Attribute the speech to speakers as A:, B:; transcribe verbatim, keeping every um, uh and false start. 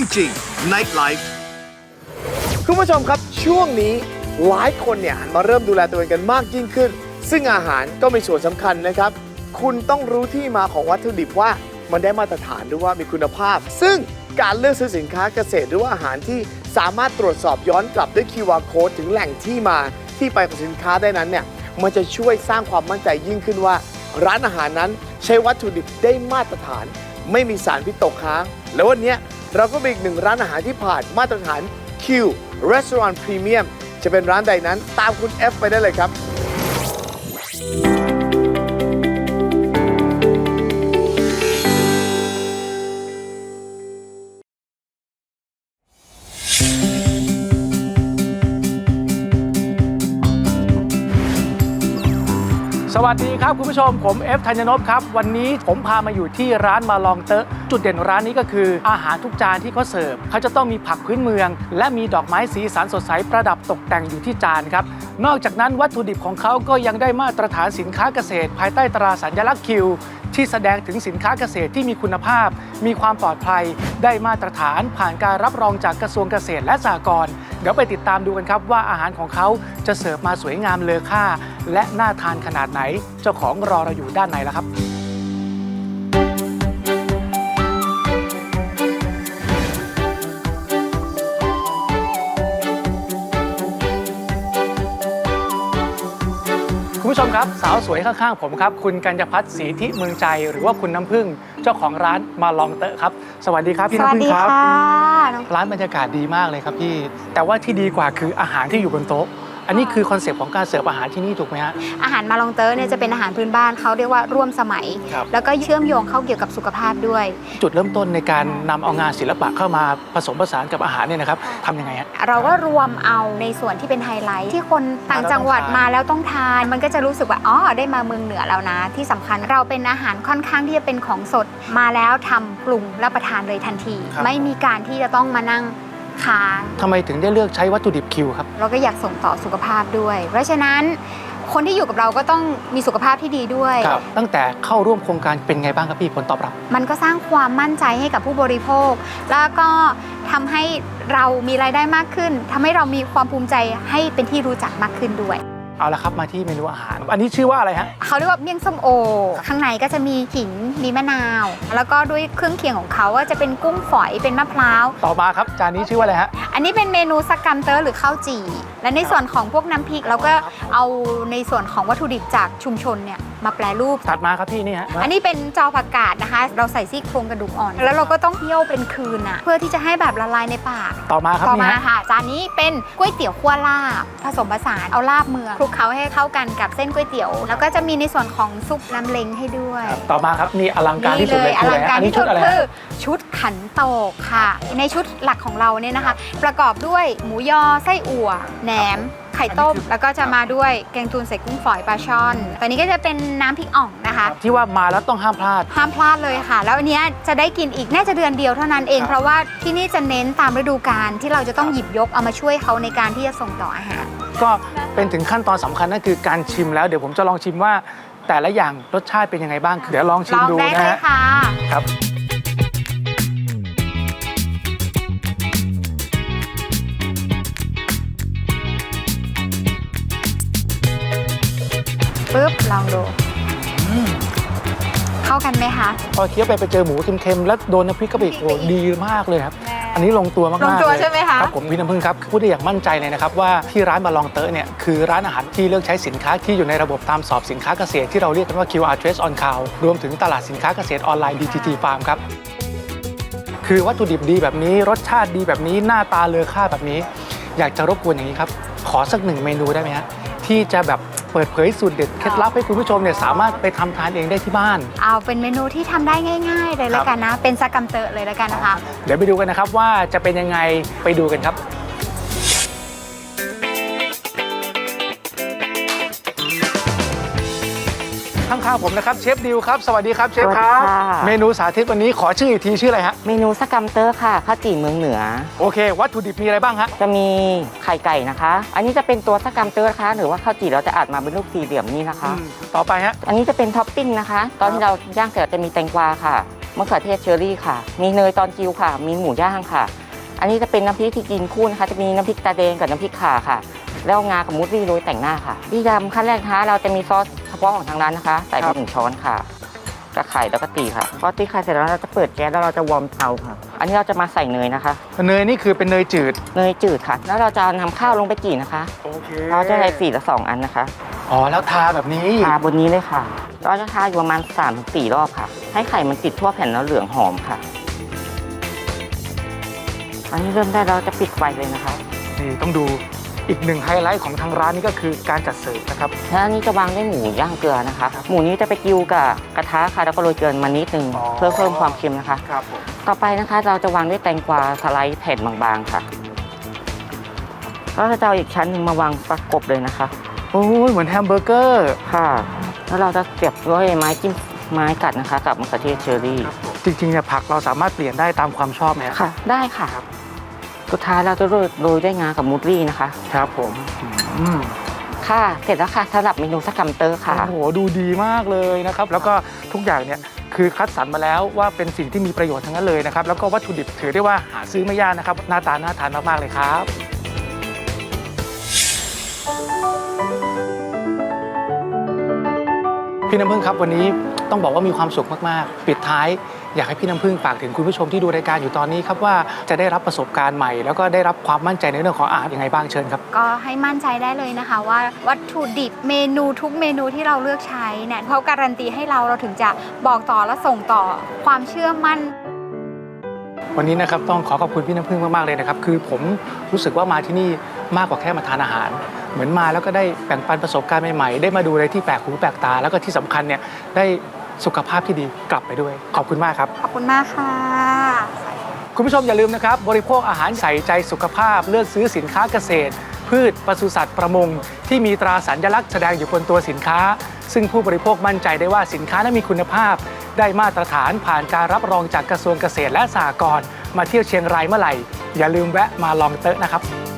A: จริง Night Life
B: คุณผู้ชมครับช่วงนี้หลายคนเนี่ยหันมาเริ่มดูแลตัวเองกันมากยิ่งขึ้นซึ่งอาหารก็มีส่วนสำคัญนะครับคุณต้องรู้ที่มาของวัตถุดิบว่ามันได้มาตรฐานหรือว่ามีคุณภาพซึ่งการเลือกซื้อสินค้าเกษตรหรือว่าอาหารที่สามารถตรวจสอบย้อนกลับด้วย คิว อาร์ Code ถึงแหล่งที่มาที่ไปของสินค้าได้นั้นเนี่ยมันจะช่วยสร้างความมั่นใจยิ่งขึ้นว่าร้านอาหารนั้นใช้วัตถุดิบได้มาตรฐานไม่มีสารพิษตกค้างแล้ววันนี้เราก็มีอีกหนึ่งร้านอาหารที่ผ่านมาตรฐาน Q Restaurant Premium จะเป็นร้านใดนั้นตามคุณ F ไปได้เลยครับ
C: สวัสดีครับคุณผู้ชมผมเอฟธัญนพครับวันนี้ผมพามาอยู่ที่ร้านมาลองเตอะจุดเด่นร้านนี้ก็คืออาหารทุกจานที่เขาเสิร์ฟเขาจะต้องมีผักพื้นเมืองและมีดอกไม้สีสันสดใสประดับตกแต่งอยู่ที่จานครับนอกจากนั้นวัตถุดิบของเขาก็ยังได้มาตรฐานสินค้าเกษตรภายใต้ตราสัญลักษณ์คิวที่แสดงถึงสินค้าเกษตรที่มีคุณภาพมีความปลอดภัยได้มาตรฐานผ่านการรับรองจากกระทรวงเกษตรและสหกรณ์เดี๋ยวไปติดตามดูกันครับว่าอาหารของเขาจะเสิร์ฟมาสวยงามเลอค่าและน่าทานขนาดไหนเจ้าของรอเราอยู่ด้านในแล้วครับคุณผู้ชมครับสาวสวยข้างๆผมครับคุณกัญญพัฒน์ศรีทิเมืองใจหรือว่าคุณน้ำผึ้งเจ้าของร้านมาลองเตอะครับสวัสดีครับพี่น้ำผึ้งครับร้านบรรยากาศดีมากเลยครับพี่แต่ว่าที่ดีกว่าคืออาหารที่อยู่บนโต๊ะอันนี้คือคอนเซปต์ของการเสิร์ฟอาหารที่นี่ถูกไหมฮะ
D: อาหารมาลองเตอร์เนี่ยจะเป็นอาหารพื้นบ้านเขาเรียกว่าร่วมสมัยแล้วก็เชื่อมโยงเข้าเกี่ยวกับสุขภาพด้วย
C: จุดเริ่มต้นในการนำเอางานศิลปะเข้ามาผสมผสานกับอาหารเนี่ยนะครับทำยังไงฮะ
D: เราก็รวมเอาในส่วนที่เป็นไฮไลท์ที่คนต่างจังหวัดมาแล้วต้องทานมันก็จะรู้สึกว่าอ๋อได้มาเมืองเหนือแล้วนะที่สำคัญเราเป็นอาหารค่อนข้างที่จะเป็นของสดมาแล้วทำปรุงรับประทานเลยทันทีไม่มีการที่จะต้องมานั่งค้าง
C: ทำไมถึงได้เลือกใช้วัตถุดิบคิวครับ
D: เราก็อยากส่งต่อสุขภาพด้วยเพราะฉะนั้นคนที่อยู่กับเราก็ต้องมีสุขภาพที่ดีด้วย
C: ตั้งแต่เข้าร่วมโครงการเป็นไงบ้างครับพี่ผลตอบรับ
D: มันก็สร้างความมั่นใจให้กับผู้บริโภคแล้วก็ทำให้เรามีรายได้มากขึ้นทำให้เรามีความภูมิใจให้เป็นที่รู้จักมากขึ้นด้วย
C: เอาละครับมาที่เมนูอาหารอันนี้ชื่อว่าอะไรฮะ
D: เขาเรียกว่าเมี่ยงส้มโอข้างในก็จะมีขิงมีมะนาวแล้วก็ด้วยเครื่องเคียงของเขาก็จะเป็นกุ้งฝอยเป็นมะพร้าว
C: ต่อมาครับจานนี้ชื่อว่าอะไรฮะ
D: อันนี้เป็นเมนูสกัมเตอร์หรือข้าวจี่และในส่วนของพวกน้ำพริกเราก็เอาในส่วนของวัตถุดิบจากชุมชนเนี่ยมาแปรรูป
C: ถัดมาครับพี่นี่ฮะ
D: อันนี้เป็นจอผักกาดนะคะเราใส่ซี่โครงกระดูกอ่อนแล้วเราก็ต้องเคี่ยวเป็นคืนอ่ะเพื่อที่จะให้แบบละลายในปาก
C: ต่อมาครับ
D: ต่อมาค่ะจานนี้เป็นก๋วยเตี๋ยวคั่วลาบผสมผสานเอาลาบเมืองคลุกเคล้าให้เข้ากันกับเส้นก๋วยเตี๋ยวแล้วก็จะมีในส่วนของซุปน้ำเล้งให้ด้วย
C: ต่อมาครับนี่อลังการที่สุดเลย
D: อลังการที่สุดคือชุดขันโตกค่ะในชุดหลักของเราเนี่ยนะคะประกอบด้วยหมูยอไส้อั่วแหนมไข่ต้มแล้วก็จะมาด้วยแกงตูนใส่กุ้งฝอยปลาช่อนตอนนี้ก็จะเป็นน้ำพริกอ่องนะคะ
C: ที่ว่ามาแล้วต้องห้ามพลาด
D: ห้ามพลาดเลยค่ะแล้วอันนี้จะได้กินอีกน่าจะเดือนเดียวเท่านั้นเองเพราะว่าที่นี่จะเน้นตามฤดูกาลที่เราจะต้องหยิบยกเอามาช่วยเขาในการที่จะส่งต่ออาหาร
C: ก็เป็นถึงขั้นตอนสำคัญนั่นคือการชิมแล้วเดี๋ยวผมจะลองชิมว่าแต่ละอย่างรสชาติเป็นยังไงบ้างเดี๋ยวลองชิมดูนะฮะครับ
D: ปึ๊บลองดูเข้ากันไหมคะ
C: พอเคี้ยวไปไปเจอหมูเค็มๆแล้วโดนน้ำพริกกะปิโอ้ดีมากเลยครับอันนี้ลงตัวมากๆ
D: ลงตัวใช่ไหมคะ
C: ครับผมพี่น้ำผึ้งครับพูดได้อย่างมั่นใจเลยนะครับว่าที่ร้านมาลองเตอะเนี่ยคือร้านอาหารที่เลือกใช้สินค้าที่อยู่ในระบบตามสอบสินค้าเกษตรที่เราเรียกกันว่า คิว อาร์ Trace on Cow รวมถึงตลาดสินค้าเกษตรออนไลน์ ดี ที ที Farm ครับคือวัตถุดิบดีแบบนี้รสชาติดีแบบนี้หน้าตาเลอค่าแบบนี้อยากจะรบกวนอย่างนี้ครับขอสักหนึ่งเมนูได้ไหมฮะที่จะแบบเปิดเผยสูตรเด็ดเคล็ดลับให้คุณผู้ชมเนี่ยสามารถไปทำทานเองได้ที่บ้าน
D: เอาเป็นเมนูที่ทำได้ง่ายๆเลยแล้วกันนะเป็นสกัมเตอร์เลยแล้วกันนะคะ
C: เดี๋ยวไปดูกันนะครับว่าจะเป็นยังไงไปดูกันครับข้างๆผมนะครับเชฟดิวครับสวัสดีครับเชฟครับเมนูสาธิตวันนี้ขอชื่ออีกทีชื่ออะไรฮะ
E: เมนูสกัมเตอร์ค่ะข้าวจี่เมืองเหนือ
C: โอเควัตถุดิบมีอะไรบ้างฮะ
E: จะมีไข่ไก่นะคะอันนี้จะเป็นตัวสกัมเตอร์นะคะหรือว่าข้าวจี่เราจะอัดมาเป็นลูกสี่เหลี่ยมนี่นะคะ
C: ต่อไปฮะ
E: อันนี้จะเป็นท็อปปิ้งนะคะตอนที่เราย่างเสร็จจะมีแตงกวาค่ะมะเขือเทศเชอรี่ค่ะ มีเนยตอนกิวค่ะ มีหมูย่างค่ะ อันนี้จะเป็นน้ำพริกที่กินคู่นะคะ จะมีน้ำพริกตาแดงกับน้ำพริกข่าค่ะ แล้วงากับมูสลี่โรยแต่งหน้าค่ะพี่ยำขั้นแรกนะคะเราจะมีซอสเฉพาะของทางร้านนะคะ ใส่ไปหนึ่งช้อนค่ะกระไข่แล้วก็ตีค่ะพอตีไข่เสร็จแล้วเราจะเปิดแก๊สแล้วเราจะวอร์มเตาค่ะ อันนี้เราจะมาใส่เนยนะคะ
C: เนยนี่คือเป็นเนยจืด
E: เนยจืดค่ะ แล้วเราจะนำข้าวลงไปจี่นะคะ
C: โอเค
E: เราจะใส่สี่ละสองอันนะคะ
C: อ๋อแล้วทาแบบนี้
E: ทาบนนี้เลยค่ะ เราจะทาอยู่ประมาณสามถึงสี่รอบค่ะ ให้ไข่มันติดทั่วแผ่นแล้วเหลืองหอมค่ะ อันนี้เริ่มได้เราจะปิดไฟเลยนะคะ
C: นี่ต้องดูอีกหนึ่งไฮไลท์ของทางร้านนี่ก็คือการจัดเสิร์ฟนะครับ
E: แล้วอันนี้จะวางด้วยหมูย่างเกลือนะคะ หมูนี้จะไปกิ้วกับกระทะค่ะ แล้วก็โรยเกลือมานิดนึง
C: อ๋อ
E: เพื่อเพิ่มความเค็มนะคะ
C: ครับผม
E: ต่อไปนะคะเราจะวางด้วยแตงกวาสไลด์แผ่นบางๆค่ะแล้วเราจะเอาอีกชั้นหนึ่งมาวางประกบเลยนะคะ
C: โอ้ยเหมือนแฮมเบอร์เกอร์
E: ค่ะ แล้วเราจะเสียบด้วยไม้จิ้มไม้กัดนะคะ กับมะเขือเทศเชอรี่
C: จริงๆเนี่ยผักเราสามารถเปลี่ยนได้ตามความชอบไหม
E: ค่ะ ได้ค่ะสุดท้ายเราจะโรยโรยด้วยงากับมูสลี่นะคะ
C: ครับผมอืม
E: ค่ะ เสร็จแล้วค่ะสำหรับเมนูสกัมเตอร์ค่ะ
C: โอ้โหดูดีมากเลยนะครับ แล้วก็ทุกอย่างเนี่ยคือคัดสรรมาแล้วว่าเป็นสิ่งที่มีประโยชน์ทั้งนั้นเลยนะครับ แล้วก็วัตถุดิบถือได้ว่าหาซื้อไม่ยากนะครับ หน้าตาน่าทานมากๆเลยครับ พี่น้ำพึ่งครับวันนี้ต้องบอกว่ามีความสุขมากๆปิดท้ายอยากให้พี่น้ำพึ่งฝากถึงคุณผู้ชมที่ดูรายการอยู่ตอนนี้ครับว่าจะได้รับประสบการณ์ใหม่ แล้วก็ได้รับความมั่นใจในเรื่องของอาหารยังไงบ้างเชิญครับ
D: ก็ให้มั่นใจได้เลยนะคะว่าวัตถุดิบเมนูทุกเมนูที่เราเลือกใช้เนี่ยเขาการันตีให้เราเราถึงจะบอกต่อและส่งต่อความเชื่อมั่น
C: วันนี้นะครับต้องขอขอบคุณพี่น้ำพึ่งมากๆเลยนะครับคือผมรู้สึกว่ามาที่นี่มากกว่าแค่มาทานอาหาร เหมือนมาแล้วก็ได้แบ่งปันประสบการณ์ใหม่ๆได้มาดูอะไรที่แปลกหูแปลกตา แล้วก็ที่สำคัญเนี่ยได้สุขภาพที่ดีกลับไปด้วยขอบคุณมากครับ
D: ขอบคุณมากค่ะ
C: คุณผู้ชมอย่าลืมนะครับบริโภคอาหารใส่ใจสุขภาพเลือกซื้อสินค้าเกษตร พืชปศุสัตว์ประมงที่มีตราสัญลักษณ์แสดงอยู่บนตัวสินค้า ซึ่งผู้บริโภคมั่นใจได้ว่าสินค้านั้นมีคุณภาพ ได้มาตรฐานผ่านการรับรองจากกระทรวงเกษตรและสหกรณ์มาเที่ยวเชียงรายเมื่อไหร่อย่าลืมแวะมาลองเต๊ะนะครับ